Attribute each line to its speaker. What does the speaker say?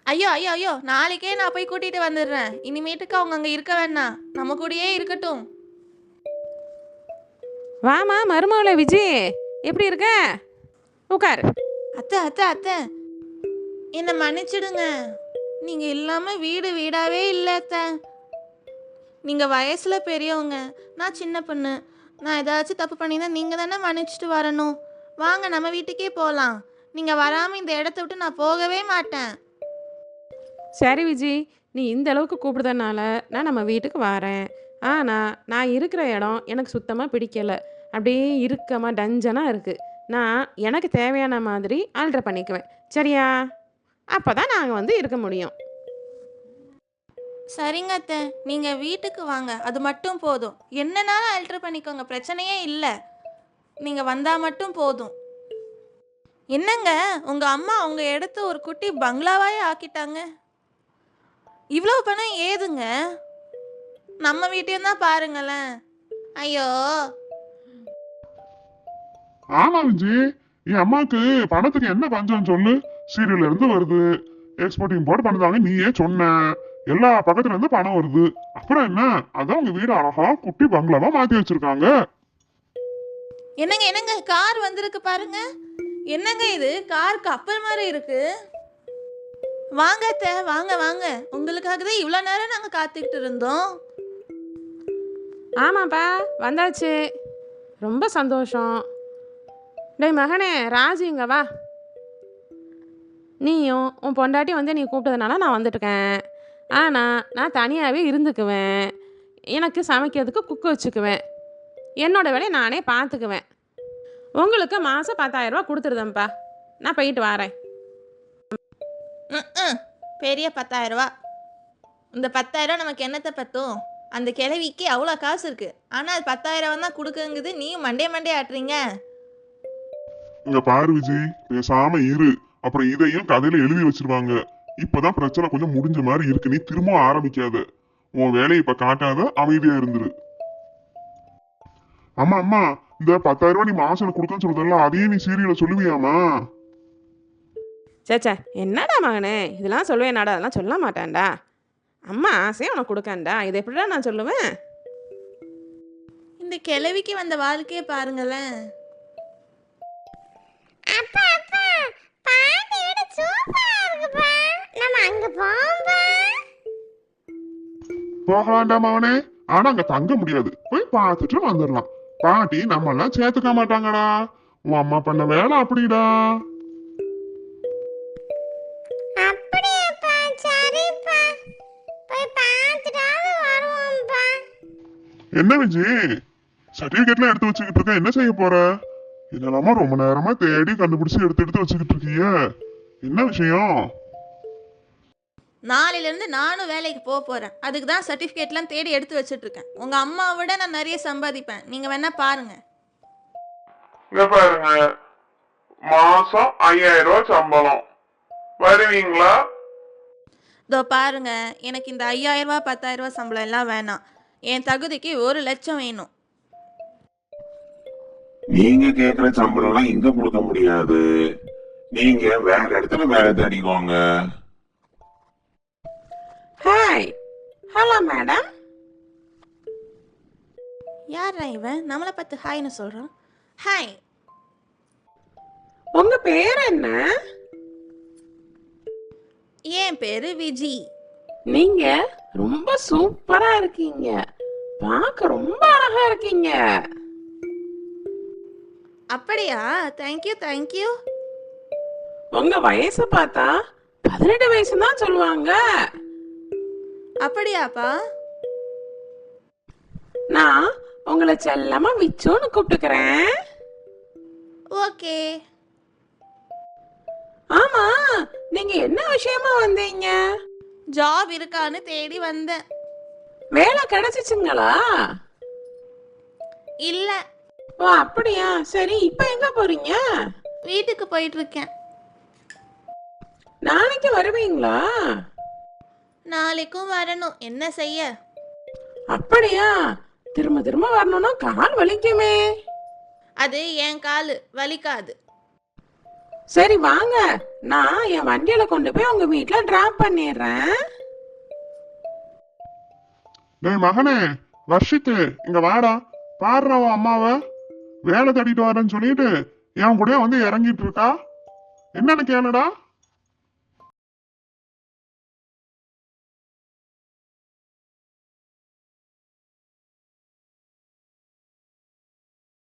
Speaker 1: ஐயோ ஐயோ ஐயோ, நாளைக்கே நான் போய் கூட்டிட்டு வந்துடுறேன். இனிமேட்டுக்கு அவங்க அங்க இருக்க வேணாம், நம்ம கூடயே இருக்கட்டும்.
Speaker 2: வாமா மருமகளே விஜி, எப்படி இருக்க? உட்காரு.
Speaker 1: அத்தை அத்தை அத்தை, என்னை மன்னிச்சிடுங்க. நீங்க இல்லாம வீடு வீடாவே இல்லை அத்தை. நீங்க வயசுல பெரியவங்க, நான் சின்ன பொண்ணு. நான் ஏதாச்சும் தப்பு பண்ணியிருந்தா நீங்க தானே மன்னிச்சிட்டு வரணும். வாங்க நம்ம வீட்டுக்கே போகலாம். நீங்க வராம இந்த இடத்த விட்டு நான் போகவே மாட்டேன்.
Speaker 2: சரி விஜி, நீ இந்த அளவுக்கு கூப்பிடுறதுனால நான் நம்ம வீட்டுக்கு வரேன். ஆனால் நான் இருக்கிற இடம் எனக்கு சுத்தமாக பிடிக்கலை. அப்படியே இறுக்கமாக டஞ்சனாக இருக்குது. நான் எனக்கு தேவையான மாதிரி ஆல்ட்ரு பண்ணிக்குவேன். சரியா? அப்போ தான் நாங்கள் வந்து இருக்க முடியும்.
Speaker 1: சரிங்க அத்தை, நீங்க வீட்டுக்கு வாங்க, அது மட்டும் போதும். என்னனாலும் அல்ட்ரு பண்ணிக்கோங்க, பிரச்சனையே இல்லை. நீங்க வந்தா மட்டும் போதும். என்னங்க, உங்க அம்மா உங்க இடத்த ஒரு குட்டி பங்களாவாயே ஆக்கிட்டாங்க. இவ்வளவு பணம் ஏதுங்க? நம்ம வீட்டையும் தான் பாருங்களேன். ஐயோ.
Speaker 3: ஆமா விஜி, என் அம்மாக்கு பணத்துக்கு என்ன பஞ்சம் சொல்லு. சீரியல்ல இருந்து வருது, எக்ஸ்போர்ட் இம்போர்ட் பண்ணுதாங்க, நீயே சொன்ன. எல்லா பக்கத்துல இருந்து பணம் வருது. அப்புறம் என்ன, அதான் உங்க வீடு அழகா குட்டி பங்களாவா மாத்தி வச்சிருக்காங்க.
Speaker 1: என்னங்க என்னங்க, கார் வந்திருக்கு பாருங்க. என்னங்க இது, கார் கப்பல் மாதிரி இருக்கு. வாங்க அத்தை, வாங்க வாங்க. உங்களுக்காக தான் இவ்வளோ நேரம் நாங்கள் காத்துக்கிட்டு இருந்தோம்.
Speaker 2: ஆமாப்பா, வந்தாச்சு. ரொம்ப சந்தோஷம். டேய் மகனே ராஜு, இங்க வா. நீயும் உன் பொண்டாட்டி வந்து நீ கூப்பிட்டதுனால நான் வந்துட்டுருக்கேன். ஆனால் நான் தனியாகவே இருந்துக்குவேன். எனக்கு சமைக்கிறதுக்கு குக்கு வச்சுக்குவேன். என்னோடய வேலையை நானே பார்த்துக்குவேன். உங்களுக்கு மாதம் 10,000 ரூபா கொடுத்துருதேன்ப்பா. நான் போயிட்டு வரேன்.
Speaker 1: பெரிய 10,000 ரூபா. இந்த 10,000 ரூபா நமக்கு என்னத்தை பத்தும்? அந்த கிழவிக்கு அவ்வளோ காசு இருக்கு, ஆனால் அது 10,000 தான் கொடுக்குங்குது. நீயும் மண்டே ஆட்டுறீங்க.
Speaker 3: இங்க பாரு விஜய், பேசாம இரு. அப்புறம் இதையும் கதையில எழுதி வச்சிருவாங்க. இப்பதான் பிரச்சனை கொஞ்சம் முடிஞ்ச மாதிரி இருக்கு. நீ திரும்ப ஆரம்பிக்காத. உன் வேலையை இப்ப காட்டாத, அமைதியா இருந்துரு. அம்மா அம்மா, இந்த 10,000 ரூபாய் நீ மாசம் கொடுக்கன்னு சொல்றதல்ல, அதையும் நீ சீரியல சொல்லுவியாமா?
Speaker 2: சேச்சா, என்னடா மகனே இதெல்லாம் சொல்லுவேனாடா? அதெல்லாம் சொல்ல மாட்டேன்டா. அம்மா ஆசையாக உனக்கு கொடுக்கண்டா. இதை எப்படிடா நான் சொல்லுவேன்?
Speaker 1: இந்த கிழவிக்கு வந்த வாழ்க்கையை பாருங்களேன்.
Speaker 4: அப்பா அப்பா, பாட்டி வீடு சூப்பரா இருக்குப்பா. நம்ம அங்க போவோம்பா.
Speaker 3: போகலாம்டா மவனே, ஆனா அங்க தங்க முடியாது. போய் பார்த்துட்டு வந்துடலாம். பாட்டி நம்ம எல்லாம் சேர்த்துக்க மாட்டாங்கடா. உன் அம்மா பண்ண வேலை அப்படிடா.
Speaker 4: அப்படியாப்பா, சரிப்பா. போய் பார்த்துட்டாவது வருவோம்பா.
Speaker 3: என்ன விஜய், சர்டிபிகேட்லாம் எடுத்து வச்சுக்கிட்டு இருக்க, என்ன செய்ய போற? என்னலாமா ரொம்ப நேரமா தேடி கண்டுபிடிச்சு எடுத்து வச்சுக்கிட்டு இருக்கீங்க, என்ன விஷயம்?
Speaker 1: நாளையிலேருந்து நானும் வேலைக்கு போக போகிறேன். அதுக்கு தான் சர்டிஃபிகேட்லாம் தேடி எடுத்து வச்சுட்ருக்கேன். உங்கள் அம்மாவை விட நான் நிறைய சம்பாதிப்பேன். நீங்கள் வேணா பாருங்க.
Speaker 3: இங்க பாருங்க, மாசம் 5,000 ரூபாய் சம்பளம், வருவீங்களா?
Speaker 1: இதோ பாருங்க, எனக்கு இந்த 5,000 ரூபா 10,000 ரூபா சம்பளம் எல்லாம் வேணாம். என் தகுதிக்கு 1,00,000 வேணும்.
Speaker 5: நீங்க கேக்குற சம்பளம்லாம் இங்க கொடுக்க முடியாது. நீங்க வேற இடத்துல வேலை தேடிக்கோங்க.
Speaker 2: Hi, hello madam.
Speaker 1: யாரா இவன் நம்மளை பார்த்து ஹாய்னு சொல்கிறான்? ஹாய்.
Speaker 2: உங்க பேர் என்ன?
Speaker 1: என் பேரு விஜி.
Speaker 2: நீங்க ரொம்ப சூப்பரா இருக்கீங்க. பார்க்க ரொம்ப அழகா இருக்கீங்க.
Speaker 1: அப்படியா? Thank you thank you.
Speaker 2: உங்க வயசை பார்த்தா 18 வயசு தான் சொல்லுவாங்க.
Speaker 1: அப்படியாப்பா?
Speaker 2: நான் உங்களை செல்லமா விச்சோன்னு கூப்பிட்டுக்கிறேன்.
Speaker 1: ஓகே.
Speaker 2: ஆமா, நீங்க என்ன விஷயமா வந்தீங்க?
Speaker 1: ஜாப் இருக்கான்னு தேடி வந்தேன்.
Speaker 2: வேலை கிடைச்சிச்சுங்களா?
Speaker 1: இல்ல.
Speaker 2: ஓ அப்படியா, சரி. இப்ப எங்க போறீங்க?
Speaker 1: வீட்டுக்கு போயிட்டு இருக்கேன்.
Speaker 2: நாளைக்கு வருவீங்களா?
Speaker 1: நாளைக்கும் வரணும், என்ன செய்ய.
Speaker 2: அப்படியா? திரும்ப திரும்ப வரணும்னா கால் வலிக்குமே.
Speaker 1: அது என் காலு, வலிக்காது.
Speaker 2: சரி வாங்க, நான் என் வண்டியில கொண்டு போய் உங்க வீட்ல டிராப் பண்ணிடுறேன்.
Speaker 3: டேய் மகனே, வர்ஷித்து இங்க வாடா. பாடுறா உன் அம்மாவை வேலை தேடிட்டு வரேன்னு சொல்லிட்டு என் கூடயே வந்து இறங்கிட்டு இருக்கா. என்னன்னு கேளுடா.